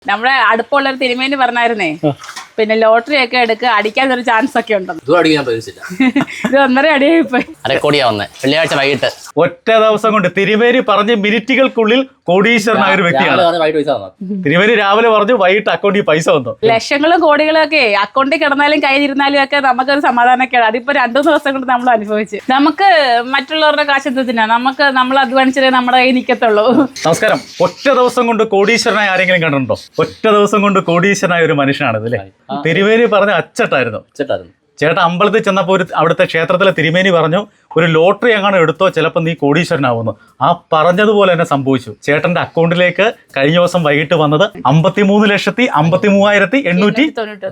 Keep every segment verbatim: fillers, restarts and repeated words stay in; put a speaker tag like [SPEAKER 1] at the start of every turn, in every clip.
[SPEAKER 1] നമ്മുടെ അടുപ്പുള്ളൊരു തിരുമേനി പറഞ്ഞായിരുന്നേ, പിന്നെ ലോട്ടറി ഒക്കെ എടുക്കുക, അടിക്കാൻ ഒരു ചാൻസ് ഒക്കെ ഉണ്ടെന്ന്. ഇത് ഒന്നര അടിയായിപ്പോയി.
[SPEAKER 2] അരക്കോടിയാ വന്നേ വെള്ളിയാഴ്ച വൈകിട്ട്.
[SPEAKER 3] ഒറ്റ ദിവസം കൊണ്ട് തിരുമേനി പറഞ്ഞ് മിനിറ്റുകൾക്കുള്ളിൽ കോടീശ്വരനായ ഒരു വ്യക്തിയാണ്. തിരുമേനി രാവിലെ പറഞ്ഞു വൈകിട്ട് അക്കൗണ്ടിൽ പൈസ വന്നു.
[SPEAKER 1] ലക്ഷങ്ങളും കോടികളും ഒക്കെ അക്കൗണ്ടിൽ കിടന്നാലും കയ്യിലിരുന്നാലും ഒക്കെ നമുക്കൊരു സമാധാനമൊക്കെയാണ്. അതിപ്പോ രണ്ടു ദിവസം കൊണ്ട് നമ്മൾ അനുഭവിച്ചു. നമുക്ക് മറ്റുള്ളവരുടെ കാശത്വത്തിനാ, നമുക്ക് നമ്മൾ അധ്വാനിച്ചതേ നമ്മുടെ കയ്യിൽ നിൽക്കത്തുള്ളൂ.
[SPEAKER 3] നമസ്കാരം. ഒറ്റ ദിവസം കൊണ്ട് കോടീശ്വരനായ ആരെങ്കിലും കണ്ടിട്ടുണ്ടോ? ഒറ്റ ദിവസം കൊണ്ട് കോടീശ്വരനായ ഒരു മനുഷ്യനാണ് ഇതല്ലേ. തിരുമേനി പറഞ്ഞ അച്ചട്ടായിരുന്നു. ചേട്ടാ അമ്പലത്തിൽ ചെന്നപ്പോൾ ഒരു അവിടുത്തെ ക്ഷേത്രത്തിലെ തിരുമേനി പറഞ്ഞു, ഒരു ലോട്ടറി എങ്ങാനും എടുത്തോ ചിലപ്പോൾ നീ കോടീശ്വരനാവുന്നു. ആ പറഞ്ഞതുപോലെ തന്നെ സംഭവിച്ചു. ചേട്ടന്റെ അക്കൗണ്ടിലേക്ക് കഴിഞ്ഞ ദിവസം വൈകിട്ട് വന്നത് അമ്പത്തിമൂന്ന് ലക്ഷത്തി അമ്പത്തി മൂവായിരത്തി എണ്ണൂറ്റി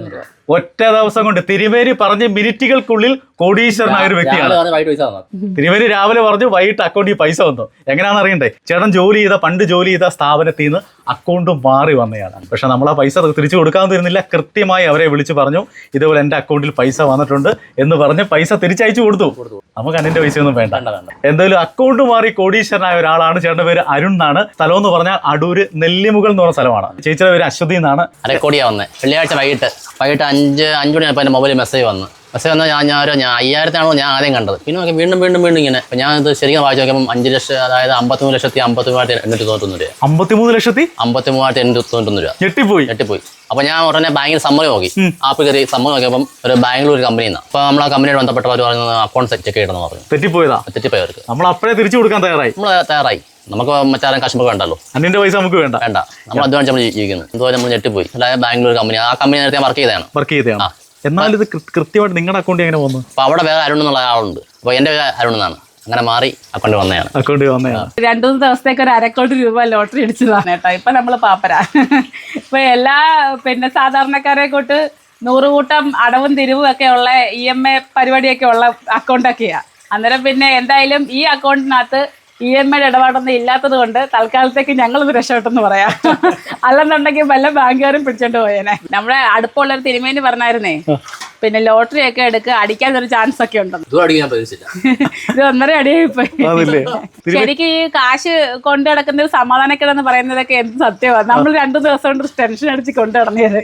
[SPEAKER 3] ഒറ്റ ദിവസം കൊണ്ട് തിരുമേനി പറഞ്ഞ് മിനിറ്റുകൾക്കുള്ളിൽ കോടീശ്വരനായ ഒരു വ്യക്തിയാണ്. തിരുമേനി രാവിലെ പറഞ്ഞു വൈകിട്ട് അക്കൗണ്ടിൽ പൈസ വന്നു. എങ്ങനെയാണെന്ന് അറിയണ്ടേ? ചേട്ടൻ ജോലി ചെയ്ത പണ്ട് ജോലി ചെയ്ത സ്ഥാപനത്തിൽ നിന്ന് അക്കൗണ്ട് മാറി വന്നതാണ്. പക്ഷെ നമ്മൾ ആ പൈസ തിരിച്ചു കൊടുക്കാൻ തരുന്നില്ല. കൃത്യമായി അവരെ വിളിച്ച് പറഞ്ഞു ഇതുപോലെ എൻ്റെ അക്കൗണ്ടിൽ പൈസ വന്നിട്ടുണ്ട് എന്ന് പറഞ്ഞ് പൈസ തിരിച്ചയച്ചു കൊടുത്തു. നമുക്ക് അതിന്റെ പൈസ ഒന്നും വേണ്ട. എന്തായാലും അക്കൗണ്ട് മാറി കോടീശ്വരനായ ഒരാളാണ്. ചേട്ടന്റെ പേര് അരുൺ എന്നാണ്. സ്ഥലം എന്ന് പറഞ്ഞാൽ അടൂര് നെല്ലിമുകൾ എന്ന് പറഞ്ഞ സ്ഥലമാണ്. ചേച്ചിയുടെ പേര് അശ്വതി എന്നാണ്.
[SPEAKER 2] അരക്കോടിയാ വന്നേ വെള്ളിയാഴ്ച വൈകിട്ട് വൈകിട്ട് അഞ്ച് അഞ്ചു മണിയായപ്പോൾ എൻ്റെ മൊബൈലിൽ മെസ്സേജ് വന്നു. മെസ്സേജ് വന്നാൽ ഞാൻ ഞാൻ ഞാൻ അയ്യായിരത്തിനാണോ ഞാൻ ആദ്യം കണ്ടത്. പിന്നെ നോക്കി വീണ്ടും വീണ്ടും വീണ്ടും ഇങ്ങനെ. അപ്പം ഞാൻ ഇത് ശരിക്കും വായിച്ചു നോക്കിയപ്പോൾ അഞ്ച് ലക്ഷം, അതായത് അമ്പത്തിമൂന്ന് ലക്ഷത്തി അമ്പത്തി മൂവായിരത്തി എണ്ണൂറ്റി തൊണ്ണൂറ്റൊന്ന് രൂപ.
[SPEAKER 3] അമ്പത്തിമൂന്ന് ലക്ഷത്തി
[SPEAKER 2] അമ്പത്തി മൂവായിരത്തി എണ്ണൂറ്റി തൊണ്ണൂറ്റൊന്ന് രൂപ.
[SPEAKER 3] ഞെട്ടിപ്പോയി
[SPEAKER 2] ഞെട്ടിപ്പോയി. അപ്പോൾ ഞാൻ ഉടനെ ബാങ്കിൽ സമ്മതി നോക്കി. ആപ്പ് കയറി സമ്മതി നോക്കിയപ്പം ഒരു ബാംഗ്ലൂർ കമ്പനിയിൽ നിന്നാണ്. അപ്പോൾ നമ്മൾ ആ കമ്പനിയോട് ബന്ധപ്പെട്ടവർ പറയുന്നത് അക്കൗണ്ട് ചെക്ക് ചെയ്യണമെന്ന് പറഞ്ഞു.
[SPEAKER 3] തെറ്റിപ്പോയതാ.
[SPEAKER 2] തെറ്റിപ്പോയവർക്ക്
[SPEAKER 3] നമ്മൾ അപ്പോഴേ തിരിച്ചു കൊടുക്കാൻ തയ്യാറായി.
[SPEAKER 2] നമ്മൾ തയ്യാറായി. നമുക്ക് മറ്റാരും കഷ്ടപ്പെട്ട് വേണ്ടല്ലോ.
[SPEAKER 3] അതിന്റെ പൈസ നമുക്ക് വേണ്ട
[SPEAKER 2] വേണ്ട നമ്മൾ അധ്വാനിച്ച് നമ്മൾ ജീവിക്കുന്നത്. എന്തുപോലെ നമ്മൾ ഞെട്ടിപ്പോയി. അതായത് ബാംഗ്ലൂർ കമ്പനി, ആ കമ്പനി നേരത്തെ വർക്ക് ചെയ്തതാണ്
[SPEAKER 3] വർക്ക് ചെയ്തതാണ് എന്നാൽ ഇത് കൃത്യമായിട്ട് നിങ്ങളുടെ അക്കൗണ്ടിൽ എങ്ങനെ വന്നു?
[SPEAKER 2] അപ്പോൾ അവിടെ വേറെ അരുൺ എന്നുള്ള ആളുണ്ട്. അപ്പോൾ എൻ്റെ പേര് അരുൺ എന്നാണ്. അങ്ങനെ മാറി അക്കൗണ്ട് വന്നതാണ്.
[SPEAKER 3] അക്കൗണ്ടിൽ വന്നതാണ്.
[SPEAKER 1] രണ്ടു മൂന്ന് ദിവസത്തേക്ക് ഒരു അരക്കോടി രൂപ ലോട്ടറി അടിച്ചതാണ് കേട്ടോ. ഇപ്പൊ നമ്മള് പാപ്പരാ. ഇപ്പൊ എല്ലാ പിന്നെ സാധാരണക്കാരെ കൊണ്ട് നൂറുകൂട്ടം അടവും തിരിവും ഒക്കെ ഉള്ള ഇ എം എ പരിപാടിയൊക്കെ ഉള്ള അക്കൗണ്ടൊക്കെയാ. അന്നേരം പിന്നെ എന്തായാലും ഈ അക്കൗണ്ടിനകത്ത് ഇ എം ഐയുടെ ഇടപാടൊന്നും ഇല്ലാത്തത് കൊണ്ട് തൽക്കാലത്തേക്ക് ഞങ്ങളൊന്ന് രക്ഷപ്പെട്ടെന്ന് പറയാം. അല്ലെന്നുണ്ടെങ്കിൽ വല്ല ബാങ്കുകാരും പിടിച്ചോണ്ട് പോയേനെ. നമ്മുടെ അടുപ്പുള്ളൊരു തിരുമേനി പറഞ്ഞായിരുന്നേ, പിന്നെ ലോട്ടറി ഒക്കെ എടുക്കുക, അടിക്കാൻ ഒരു ചാൻസ് ഒക്കെ ഉണ്ടെന്ന്. ഇത് ഒന്നര അടിയായിപ്പോയി. ശരിക്കും ഈ കാശ് കൊണ്ടു നടക്കുന്ന ഒരു സമാധാനക്കേടെന്ന് പറയുന്നതൊക്കെ എന്ത് സത്യമാണ്. നമ്മൾ രണ്ടു ദിവസം കൊണ്ട് ടെൻഷൻ അടിച്ച് കൊണ്ടു നടന്നത്.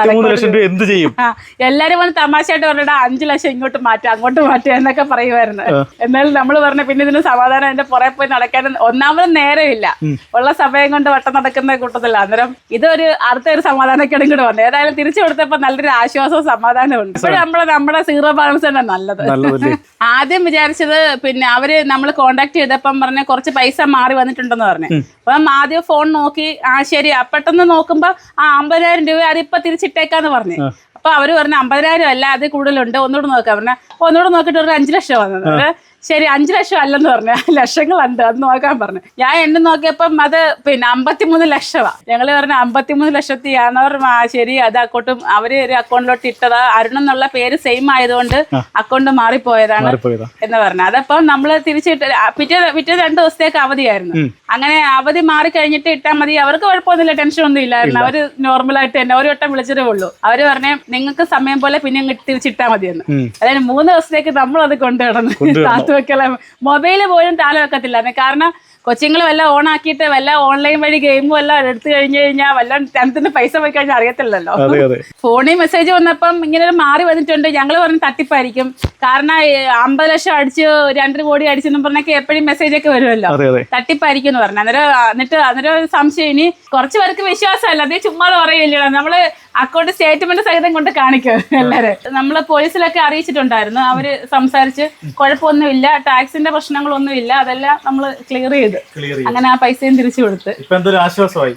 [SPEAKER 1] എല്ലാരും വന്ന് തമാശയായിട്ട് പറഞ്ഞിട്ട് അഞ്ചു ലക്ഷം ഇങ്ങോട്ട് മാറ്റുക അങ്ങോട്ട് മാറ്റുക എന്നൊക്കെ പറയുമായിരുന്നു. എന്നാലും നമ്മൾ പറഞ്ഞ പിന്നെ ഇതിന് സമാധാനം അതിന്റെ പുറകെ പോയി നടക്കാൻ ഒന്നാമത് നേരമില്ല. ഉള്ള സമയം കൊണ്ട് വട്ടം നടക്കുന്ന കൂട്ടത്തില്ല. അന്നേരം ഇതൊരു അടുത്ത ഒരു സമാധാനക്കേടും കൂടെ വന്നു. ഏതായാലും തിരിച്ചു കൊടുത്തപ്പോ നല്ലൊരു ആശ്വാസവും സമാധാനവും ഉണ്ട്. ഇപ്പോഴും നമ്മളെ നമ്മുടെ സീറോ ബാലൻസ് തന്നെ നല്ലത്. ആദ്യം വിചാരിച്ചത് പിന്നെ അവര് നമ്മൾ കോണ്ടാക്ട് ചെയ്തപ്പം പറഞ്ഞ കുറച്ച് പൈസ മാറി വന്നിട്ടുണ്ടെന്ന് പറഞ്ഞു. അപ്പം ആദ്യം ഫോൺ നോക്കി, ആ ശരി. പെട്ടെന്ന് നോക്കുമ്പോ ആ അമ്പതിനായിരം രൂപ അതിപ്പോ തിരിച്ചിട്ടേക്കാന്ന് പറഞ്ഞു. അപ്പൊ അവര് പറഞ്ഞു അമ്പതിനായിരം അല്ല, അത് കൂടുതലുണ്ട്, ഒന്നുകൂടെ നോക്കാൻ പറഞ്ഞ. ഒന്നുകൂടെ നോക്കിയിട്ട് ഒരു അഞ്ചു ലക്ഷം വന്നത്. ശരി, അഞ്ചു ലക്ഷം അല്ലെന്ന് പറഞ്ഞു, ലക്ഷങ്ങളുണ്ട്, അത് നോക്കാൻ പറഞ്ഞു. ഞാൻ എണ്ണ നോക്കിയപ്പം അത് പിന്നെ അമ്പത്തിമൂന്ന് ലക്ഷമാണ്. ഞങ്ങള് പറഞ്ഞ അമ്പത്തിമൂന്ന് ലക്ഷത്തിയാണവർ. ആ ശരി, അത് അക്കൗണ്ടും അവര് ഒരു അക്കൗണ്ടിലോട്ട് ഇട്ടതാ. അരുൺ എന്നുള്ള പേര് സെയിം ആയതുകൊണ്ട് അക്കൗണ്ട് മാറിപ്പോയതാണ് എന്ന് പറഞ്ഞു. അതപ്പം നമ്മള് തിരിച്ചിട്ട് പിറ്റേ പിറ്റേ രണ്ടു ദിവസത്തേക്ക് അവധിയായിരുന്നു. അങ്ങനെ അവധി മാറി കഴിഞ്ഞിട്ട് ഇട്ടാൽ മതി, അവർക്ക് കുഴപ്പമൊന്നുമില്ല, ടെൻഷൻ ഒന്നും ഇല്ലായിരുന്നു. അവര് നോർമലായിട്ട് തന്നെ ഒരു വട്ടം വിളിച്ചതേ ഉള്ളൂ. അവര് പറഞ്ഞേ നിങ്ങൾക്ക് സമയം പോലെ പിന്നെ തിരിച്ചിട്ടാൽ മതിയെന്ന്. അതായത് മൂന്ന് ദിവസത്തേക്ക് നമ്മളത് കൊണ്ടു കിടന്നു. മൊബൈല് പോലും താല വെക്കത്തില്ല. കാരണം കൊച്ചുങ്ങൾ വല്ല ഓൺ ആക്കിയിട്ട് വല്ല ഓൺലൈൻ വഴി ഗെയിമും എല്ലാം എടുത്തു കഴിഞ്ഞു കഴിഞ്ഞാൽ വല്ല ടെൻത്തിന് പൈസ പോയി കഴിഞ്ഞാൽ അറിയത്തില്ലല്ലോ. ഫോണിൽ മെസ്സേജ് വന്നപ്പം ഇങ്ങനെ മാറി വന്നിട്ടുണ്ട്. ഞങ്ങൾ പറഞ്ഞ് തട്ടിപ്പായിരിക്കും. കാരണം അമ്പത് ലക്ഷം അടിച്ച് രണ്ടര കോടി അടിച്ചെന്ന് പറഞ്ഞൊക്കെ എപ്പോഴും മെസ്സേജ് ഒക്കെ വരുമല്ലോ. തട്ടിപ്പായിരിക്കും എന്ന് പറഞ്ഞു. അന്നേരം എന്നിട്ട് അന്നേരം സംശയം. ഇനി കുറച്ച് പേർക്ക് വിശ്വാസമല്ല, അതേ ചുമ്മാതെ പറയില്ലല്ലോ. നമ്മള് അക്കൗണ്ട് സ്റ്റേറ്റ്മെന്റ് സഹിതം കൊണ്ട് കാണിക്കും എല്ലാരും. നമ്മള് പോലീസിലൊക്കെ അറിയിച്ചിട്ടുണ്ടായിരുന്നു. അവര് സംസാരിച്ച് കുഴപ്പമൊന്നുമില്ല, ടാക്സിന്റെ പ്രശ്നങ്ങളൊന്നും ഇല്ല, അതെല്ലാം നമ്മള് ക്ലിയർ ചെയ്തു. അങ്ങനെ ആ പൈസയും തിരിച്ചു കൊടുത്ത് ഇപ്പൊ ഒരു ആശ്വാസമായി.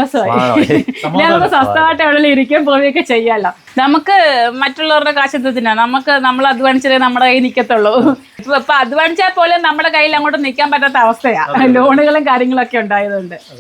[SPEAKER 1] നമുക്ക് സ്വസ്ഥമായിട്ട് എവിടെ ഇരിക്കാൻ പോവുകയൊക്കെ ചെയ്യാമല്ലോ. നമുക്ക് മറ്റുള്ളവരുടെ കാശത്വത്തിനാ, നമുക്ക് നമ്മൾ അധ്വാനിച്ചതേ നമ്മുടെ കയ്യിൽ നിൽക്കത്തുള്ളൂ. ഇപ്പൊ ഇപ്പൊ അധ്വാനിച്ചാൽ പോലും നമ്മുടെ കയ്യിൽ അങ്ങോട്ട് നിൽക്കാൻ പറ്റാത്ത അവസ്ഥയാ. ലോണുകളും കാര്യങ്ങളൊക്കെ ഉണ്ടായതുകൊണ്ട്